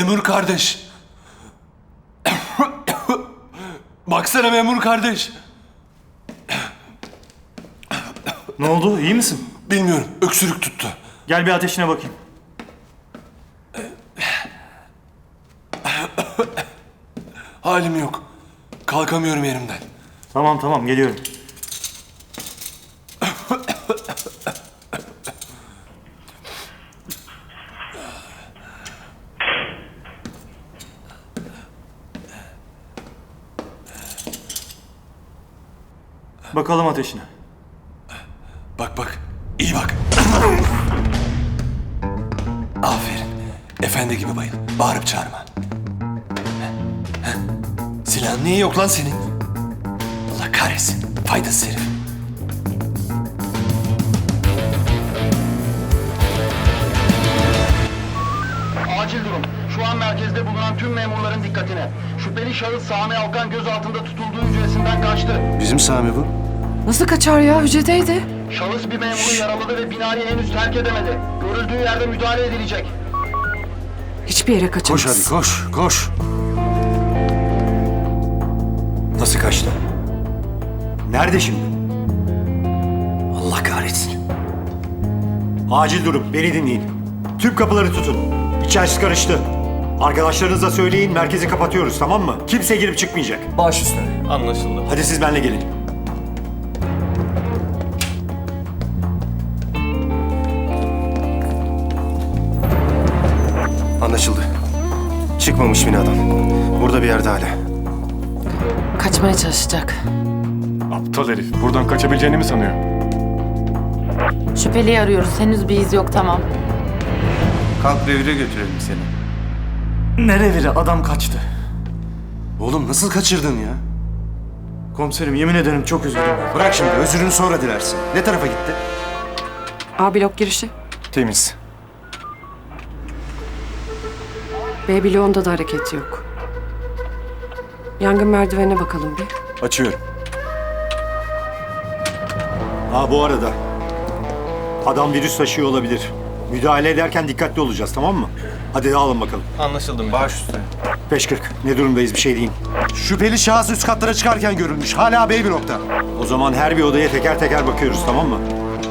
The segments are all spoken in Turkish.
Memur kardeş. Baksana memur kardeş. Ne oldu? İyi misin? Bilmiyorum, öksürük tuttu. Gel bir ateşine bakayım. Halim yok. Kalkamıyorum yerimden. Tamam geliyorum. Bakalım ateşine. Bak, iyi bak. Aferin. Efendi gibi bayıl. Bağırıp çağırma. Silahın niye yok lan senin? Allah kahretsin. Faydasız herif. Acil durum. Şu an merkezde bulunan tüm memurların dikkatine. Şüpheli şahıs Sami Alkan gözaltında tutulduğu hücresinden kaçtı. Bizim Sami bu. Nasıl kaçar ya? Hücredeydi. Şahıs bir memuru yaraladı ve binayı henüz terk edemedi. Görüldüğü yerde müdahale edilecek. Hiçbir yere kaçamaz. Koş hadi koş. Nasıl kaçtı? Nerede şimdi? Allah kahretsin. Acil durum. Beni dinleyin. Tüm kapıları tutun. İçerisi karıştı. Arkadaşlarınıza söyleyin, merkezi kapatıyoruz, tamam mı? Kimse girip çıkmayacak. Baş üstüne. Anlaşıldı. Hadi siz benimle gelin. Anlaşıldı. Çıkmamış binadan. Burada bir yerde hala. Kaçmaya çalışacak. Aptal herif. Buradan kaçabileceğini mi sanıyor? Şüpheliyi arıyoruz. Henüz bir iz yok, tamam. Kalk revire götürelim seni. Ne reviri? Adam kaçtı. Oğlum nasıl kaçırdın ya? Komiserim yemin ederim çok üzüldüm. Bırak şimdi, özrünü sonra dilersin. Ne tarafa gitti? A blok girişi. Temiz. B bloğunda da hareket yok. Yangın merdivenine bakalım bir. Açıyorum. Bu arada. Adam virüs taşıyor olabilir. Müdahale ederken dikkatli olacağız, tamam mı? Hadi dağılın bakalım. Anlaşıldı mı? Baş üstüne. 5:40. Ne durumdayız, bir şey deyin. Şüpheli şahıs üst katlara çıkarken görülmüş. Hala B blokta. O zaman her bir odaya teker teker bakıyoruz, tamam mı?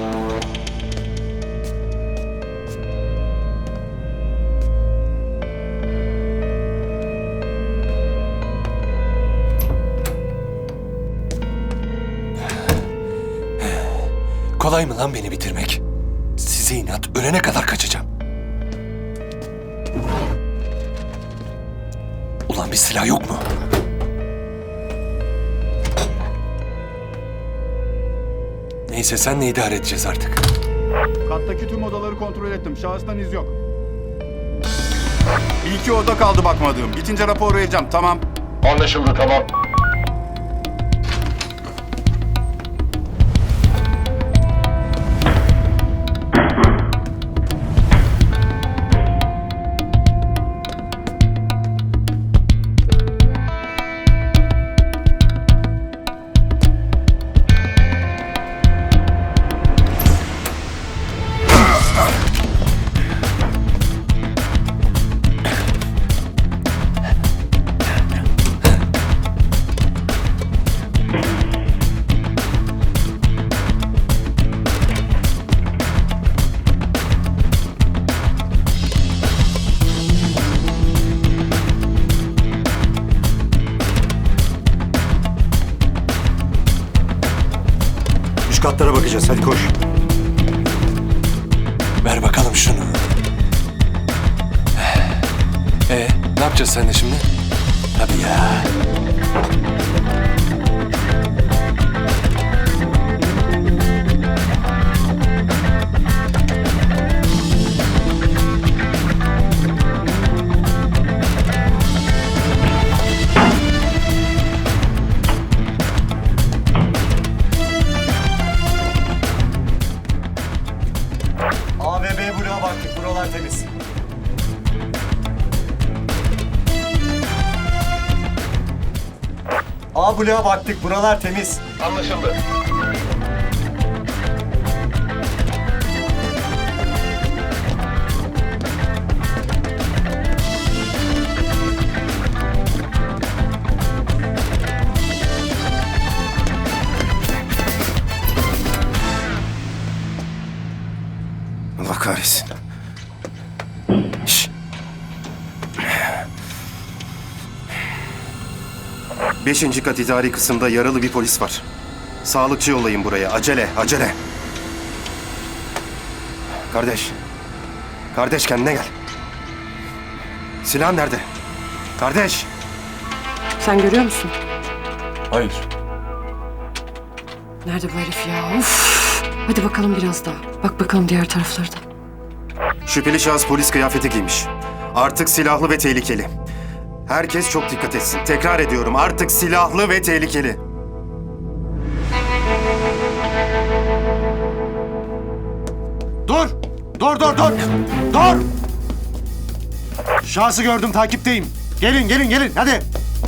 Kolay mı lan beni bitirmek? Size inat, ölene kadar kaçacağım. Ulan bir silah yok mu? Neyse senle idare edeceğiz artık. Kattaki tüm odaları kontrol ettim. Şahıstan iz yok. Bir iki oda kaldı bakmadığım. Bitince rapor vereceğim. Tamam. Anlaşıldı, tamam. Üst katlara bakacağız, hadi koş. Ver bakalım şunu. Ne yapacağız seninle şimdi? Tabii ya. A ve B bloğa baktık, buralar temiz. A bloğa baktık, buralar temiz. Anlaşıldı. 5. kat idari kısımda yaralı bir polis var. Sağlıkçı yollayın buraya. Acele, acele. Kardeş. Kardeş kendine gel. Silahın nerede? Kardeş. Sen görüyor musun? Hayır. Nerede bu herif ya? Of! Hadi bakalım biraz daha. Bak bakalım diğer tarafları da. Şüpheli şahıs polis kıyafeti giymiş. Artık silahlı ve tehlikeli. Herkes çok dikkat etsin. Tekrar ediyorum, artık silahlı ve tehlikeli. Dur! Dur, dur, dur! Dur! Şahsı gördüm, takipteyim. Gelin, gelin, gelin, hadi!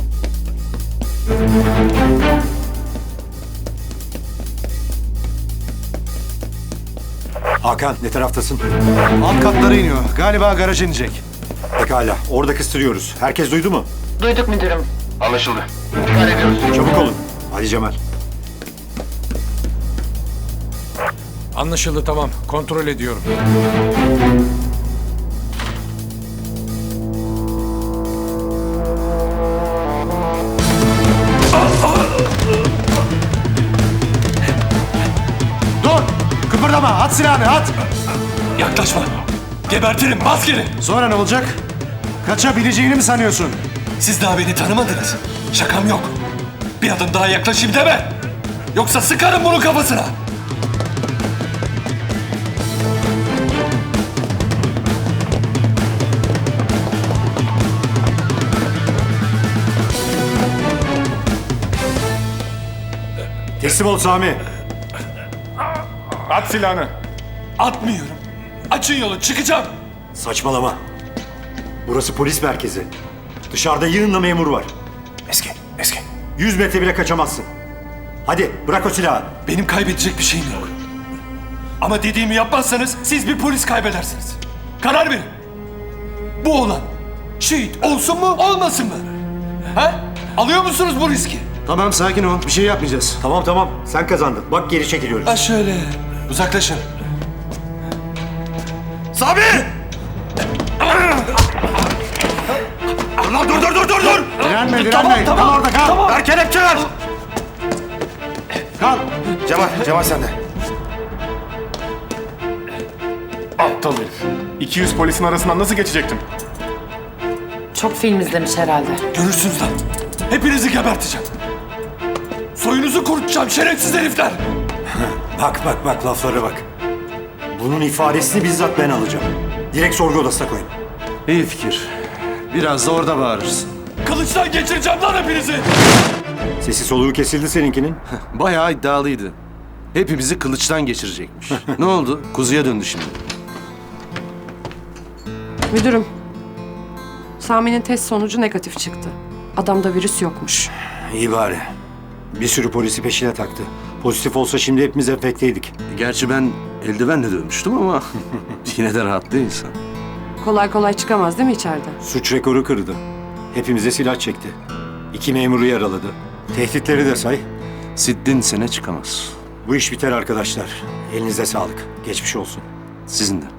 Hakan, ne taraftasın? Alt katlara iniyor. Galiba garaja inecek. Pekala, orada kıstırıyoruz. Herkes duydu mu? Duyduk müdürüm. Anlaşıldı. İntikal ediyoruz. Çabuk olun. Hadi Cemal. Anlaşıldı, tamam. Kontrol ediyorum. Dur! Kıpırdama, at silahını, at! Yaklaşma. Gebertirim, bas geri. Sonra ne olacak? Kaçabileceğini mi sanıyorsun? Siz daha beni tanımadınız. Şakam yok. Bir adım daha yaklaşayım deme. Yoksa sıkarım bunun kafasına. Teslim ol Sami. At silahını. Atmıyorum. Açın yolu, çıkacağım. Saçmalama. Burası polis merkezi. Dışarıda yığınla memur var. Eski, eski. 100 metre bile kaçamazsın. Hadi bırak o silahı. Benim kaybedecek bir şeyim yok. Ama dediğimi yapmazsanız siz bir polis kaybedersiniz. Karar verin. Bu olan şehit olsun mu, olmasın mı? He? Alıyor musunuz bu riski? Tamam sakin ol. Bir şey yapmayacağız. Tamam tamam. Sen kazandın. Bak geri çekiliyoruz. Ha şöyle. Uzaklaşın. Sami! Lan dur! Direnme direnme. Kal orada kal. Tamam. Ver kelepçeler. Kal. Cemal sen de. Aptal herif. 200 polisin arasından nasıl geçecektim? Çok film izlemiş herhalde. Görürsünüz lan. Hepinizi geberteceğim. Soyunuzu kurutacağım şerefsiz herifler. Bak laflara bak. Bunun ifadesini bizzat ben alacağım. Direkt sorgu odasına koyun. İyi fikir. Biraz da orada bağırırsın. Kılıçtan geçireceğim lan hepinizi. Sesi soluğu kesildi seninkinin. Bayağı iddialıydı. Hepimizi kılıçtan geçirecekmiş. Ne oldu? Kuzuya döndü şimdi. Müdürüm. Sami'nin test sonucu negatif çıktı. Adamda virüs yokmuş. İyi bari. Bir sürü polisi peşine taktı. Pozitif olsa şimdi hepimiz enfekteydik. Gerçi ben eldivenle dövmüştüm ama yine de rahat değil insan. Kolay kolay çıkamaz değil mi içeriden? Suç rekoru kırdı. Hepimize silah çekti. 2 memuru yaraladı. Tehditleri de say. Siddin sene çıkamaz. Bu iş biter arkadaşlar. Elinize sağlık. Geçmiş olsun. Sizin de.